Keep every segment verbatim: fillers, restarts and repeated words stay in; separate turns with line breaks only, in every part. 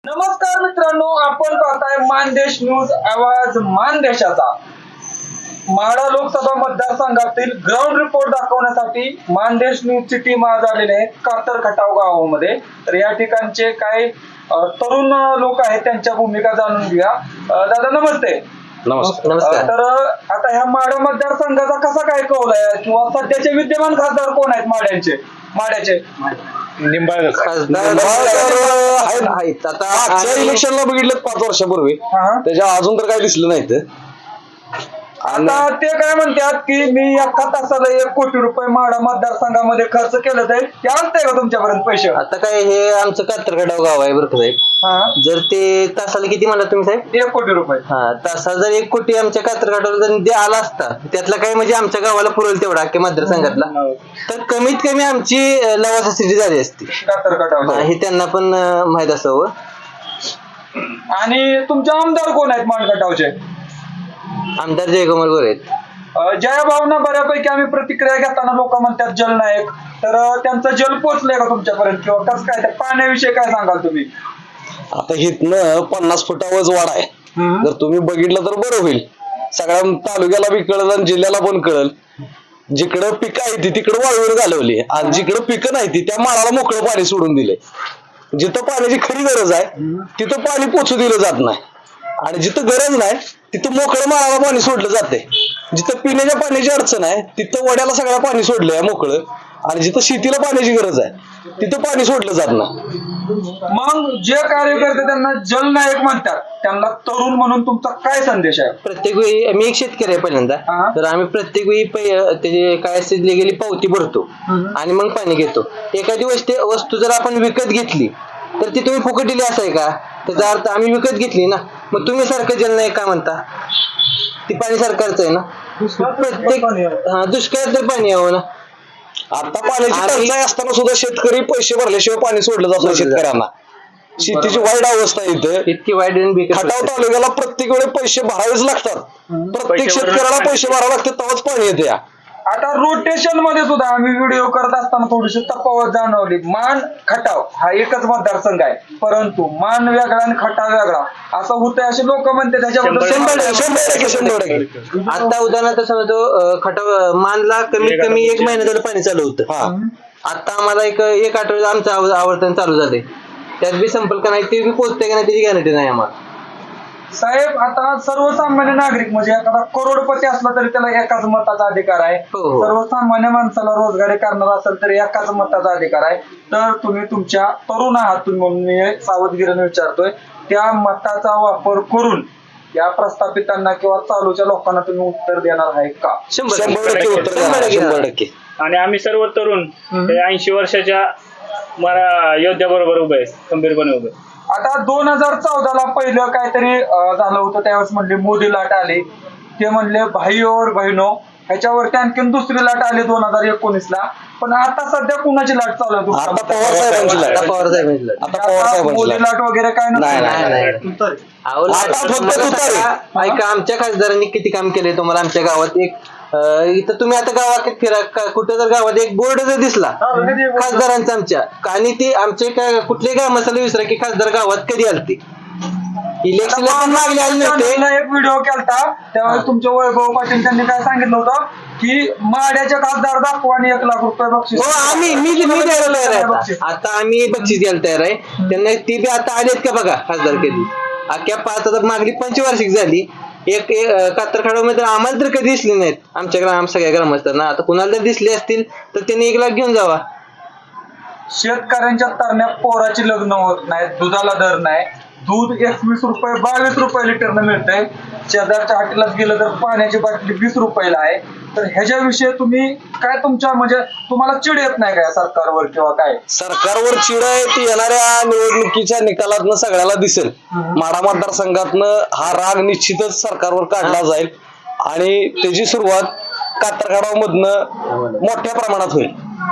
नमस्कार मित्रांनो, आपण पाहताय मानदेश न्यूज, आवाज मानदेशाचा. माढा लोकसभा मतदारसंघातील ग्राउंड रिपोर्ट दाखवण्यासाठी मानदेश न्यूजची टीम आज आलेली आहे कातर खटाव गावामध्ये. तर या ठिकाणचे काही तरुण लोक आहेत, त्यांच्या भूमिका जाणून घेऊया. दादा नमस्ते.
नमस्कार.
तर आता ह्या माढा मतदारसंघाचा कसा काय कौल आहे किंवा सध्याचे विद्यमान खासदार कोण आहेत माढ्याचे माढ्याचे
निंबाळकर आहेत. आता इलेक्शनला बघितलं पाच वर्षापूर्वी, त्याच्या अजून तर काय दिसलं नाही.
आता ते काय म्हणतात की मी एका तासाला एक कोटी रुपये माढा मतदारसंघामध्ये खर्च केलं जाईल, ते आणताय का तुमच्यापर्यंत पैसे?
आता काय हे आमचं कातरखटाव गाव आहे बरं का साहेब. जर ते तासाला किती म्हणला तुम्ही साहेब?
एक कोटी रुपये.
हा, तासाला जर एक कोटी आमच्या कातरखटावला जर आला असता, त्यातला काय म्हणजे आमच्या गावाला पुरवल तेवढा अख्ख्या मतदारसंघातला, तर कमीत कमी आमची लवासाची झाली असती
कातरखटाव.
हे त्यांना पण माहित असावं.
आणि तुमचे आमदार कोण आहेत माणखटावचे?
आमदार जयकुमार गोरे आहेत.
जया भावना बऱ्यापैकी आम्ही प्रतिक्रिया घेताना लोक म्हणतात जलनायक, तर त्यांचं जल पोचलंय का तुमच्यापर्यंत किंवा कसं काय? त्या पाण्याविषयी काय सांगाल तुम्ही?
आता हिथनं पन्नास फुटावरच वाढ आहे. जर तुम्ही बघितलं तर बरं होईल. सगळ्या तालुक्याला बी कळल आणि जिल्ह्याला पण कळल. जिकडं पिकं आहे ती तिकडं वाळूवर घालवली आणि जिकडं पिकं नाही ती त्या माळाला मोकळं पाणी सोडून दिले. जिथं पाण्याची खरी गरज आहे तिथं पाणी पोचू दिलं जात नाही, आणि जिथं गरज नाही तिथं मोकळं माळाला पाणी सोडलं जाते. जिथं पिण्याच्या पाण्याची अडचण आहे तिथं वड्याला सगळं पाणी सोडलंय मोकळं, आणि जिथं शेतीला पाण्याची गरज आहे तिथं पाणी सोडलं जात नाही.
मग जे कार्यकर्ते त्यांना जलनायक म्हणतात त्यांना तरुण म्हणून तुमचा काय संदेश आहे?
प्रत्येक वेळी मी एक शेतकरी आहे पहिल्यांदा, तर आम्ही प्रत्येक वेळी त्याची काय असते गेली पावती भरतो आणि मग पाणी घेतो. एखादी वस्तू वस्तू जर आपण विकत घेतली तर ती तुम्ही फुकट दिली असं आहे का? त्याचा अर्थ आम्ही विकत घेतली ना, मग तुम्ही सारखं जलनायक काय म्हणता? ती पाणी सरकारचं आहे ना. प्रत्येक हा दुष्काळात तर पाणी यावं ना.
आता पाण्याची टंचाई असताना सुद्धा शेतकरी पैसे भरल्याशिवाय पाणी सोडलं जात नाही शेतकऱ्यांना. शेतीची वाईट अवस्था आहे इथं.
इतकी वाईट
खटाव तालुक्याला प्रत्येक वेळी पैसे भरावेच लागतात. प्रत्येक शेतकऱ्याला पैसे भरावे लागतात तेव्हाच पाणी येते.
आता रोटेशन मध्ये सुद्धा आम्ही व्हिडिओ करत असताना थोडीशी तफावत जाणवली. मान खटाव हा एकच मतदारसंघ आहे, परंतु मान वेगळा आणि खटाव वेगळा असं होतंय असे लोक म्हणते. त्याच्याबद्दल
आता उदाहरणार्थ समजतो खटाव मानला कमीत कमी एक महिना झालं पाणी चालू होतं. आता आम्हाला एक एक आठवड्यात आमचं आवर्तन चालू झालंय, त्यात बी संपर्क नाही, ते बी पोहोचते का नाही त्याची गॅरंटी नाही आम्हाला.
साहेब आता सर्वसामान्य नागरिक म्हणजे एखादा करोडपती असला तरी त्याला एकाच मताचा अधिकार आहे. सर्वसामान्य माणसाला रोजगारी करणार असेल तरी एकाच मताचा अधिकार आहे. तर तुम्ही तुमच्या तरुण आहात तुम्ही म्हणून मी सावधगिरीने विचारतोय, त्या मताचा वापर करून या प्रस्थापितांना किंवा चालूच्या लोकांना तुम्ही उत्तर देणार आहे का?
शंभर टक्के उत्तर शंभर टक्के.
आणि आम्ही सर्व तरुण ऐंशी वर्षाच्या योद्ध्या बरोबर उभे आहे, खंबीरपणे उभे.
आता दोन हजार चौदाला पहिलं काहीतरी झालं होतं, त्यावेळेस म्हणले मोदी लाट आली, ते म्हणले भाई और बहिनो. ह्याच्यावरती आणखीन दुसरी लाट आली दोन हजार एकोणीस ला. पण आता सध्या कुणाची लाट चालू आहे? मोदी लाट वगैरे काय नाही.
ऐका, आमच्या खासदारांनी किती काम केले तुम्हाला आमच्या गावात. एक इथं तुम्ही आता गावात फिरा, कुठे जर गावात एक बोर्ड जर दिसला खासदारांचा आमच्या, आणि ते आमचे काय कुठल्याही गावाला विसरा की खासदार गावात कधी आलते. इलेक्शनला पण मागले आले नव्हते.
एक व्हिडिओ केलता त्यावेळेस तुमच्या वैभव पाटील त्यांनी काय सांगितलं होतं की माड्याचे खासदार दाखवा आणि एक लाख रुपये बक्षीस.
हो, आम्ही मी द्यायला तयार आहे. आता आम्ही बक्षीस द्यायला तयार आहे त्यांना. ती बी आता आलेत का बघा खासदार कधी. अख्ख्या पाच आता मागली पंचवार्षिक झाली. एक कातरखटाव मध्ये आम्हाला तर कधी दिसले नाहीत आमच्या ग्राम सगळ्या ग्रामस्थांना. आता कुणाला जर दिसले असतील तर त्यांनी एक लाख घेऊन जावा.
शेतकऱ्यांच्या तरण्या पोराची लग्न होत नाहीत, दुधाला दर नाही. दूध एकवीस रुपये बावीस रुपये लिटरनं मिळतंय. शेजारच्या हॉटेलात गेलं तर पाण्याची बाटली वीस रुपयाला आहे. तर ह्याच्याविषयी तुम्ही काय, तुमच्या म्हणजे तुम्हाला चिड येत नाही काय सरकारवर किंवा काय?
सरकारवर चिड आहे ती येणाऱ्या निवडणुकीच्या निकालातनं सगळ्याला दिसेल. माढा मतदारसंघातनं हा राग निश्चितच सरकारवर काढला जाईल आणि त्याची सुरुवात कातरखटाव मधनं मोठ्या प्रमाणात होईल.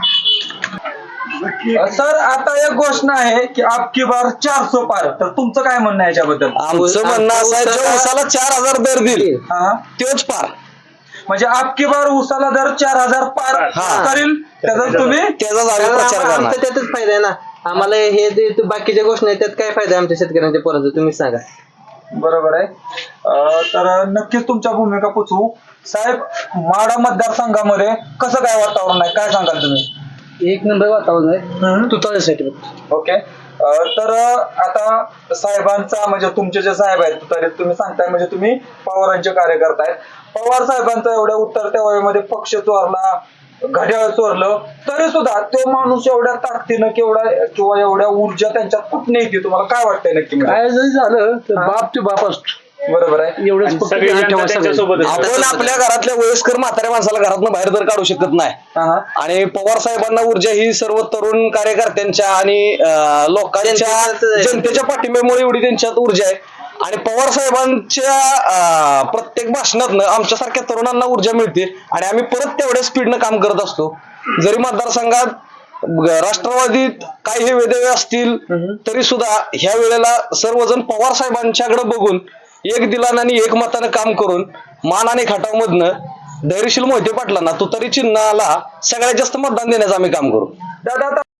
सर आता एक घोषणा आहे की आपकी बार चारशे पार, तर तुमचं काय म्हणणं आहे याच्याबद्दल?
आमचं म्हणणं असं आहे, जो उसाला चार हजार दर देईल तोच पार.
म्हणजे आपकी बार उसाला दर चार हजार पार करील, त्याचा तुम्ही
त्याचा प्रचार करणार.
त्यातच फायदा आहे ना. आम्हाला हे जे ते बाकीच्या गोष्टी आहेत त्यात काय फायदा आहे आमच्या शेतकऱ्यांच्या पोरांचा तुम्ही सांगा.
बरोबर आहे. अं, तर नक्कीच तुमच्या भूमिका पोचवू. साहेब, माढा मतदारसंघामध्ये कसं काय वातावरण आहे, काय सांगाल तुम्ही?
एक नंबर वातावरण आहे तुतारीसाठी.
ओके. अं, तर आता साहेबांचा म्हणजे तुमचे जे साहेब आहेत तरी तुम्ही सांगताय म्हणजे तुम्ही पवारांचे कार्यकर्ता आहेत. पवार साहेबांचा एवढ्या उतरत्या वयामध्ये पक्ष चोरला, घड्याळ चोरलं, तरी सुद्धा तो माणूस एवढ्या ताकदीनं केवढा किंवा एवढ्या ऊर्जा त्यांच्यात कुठं येते, तुम्हाला काय वाटतंय नक्की?
काय जरी झालं तर बाप ते बाप असतो.
बरोबर आहे.
एवढंच फक्त
सगळी
ध्यान
जनता
ठेवा सगळ्यांनी.
त्यांच्यासोबत आहे.
आपण आपल्या घरातल्या वयस्कर म्हाताऱ्या माणसाला घरातनं बाहेर तर काढू शकत नाही.
हा.
आणि पवार साहेबांना ऊर्जा ही सर्व तरुण कार्यकर्त्यांच्या आणि अं, लोकांच्या
जनतेच्या-
जनतेच्या पाठिंब्यामुळे एवढी त्यांच्यात ऊर्जा आहे. आणि पवार साहेबांच्या अं, प्रत्येक भाषणातनं आमच्यासारख्या तरुणांना ऊर्जा मिळते आणि आम्ही परत तेवढ्या स्पीडनं काम करत असतो. जरी मतदारसंघात राष्ट्रवादीत काही हे वेदवे असतील तरी सुद्धा ह्या वेळेला सर्वजण पवार साहेबांच्याकडे बघून एक दिलानं आणि एक मतानं काम करून मान आणि खटावमधनं धैर्यशील मोहिते पाटलांना तुतारी चिन्हाला सगळ्यात जास्त मतदान देण्याचं आम्ही काम करू.
दादा, आता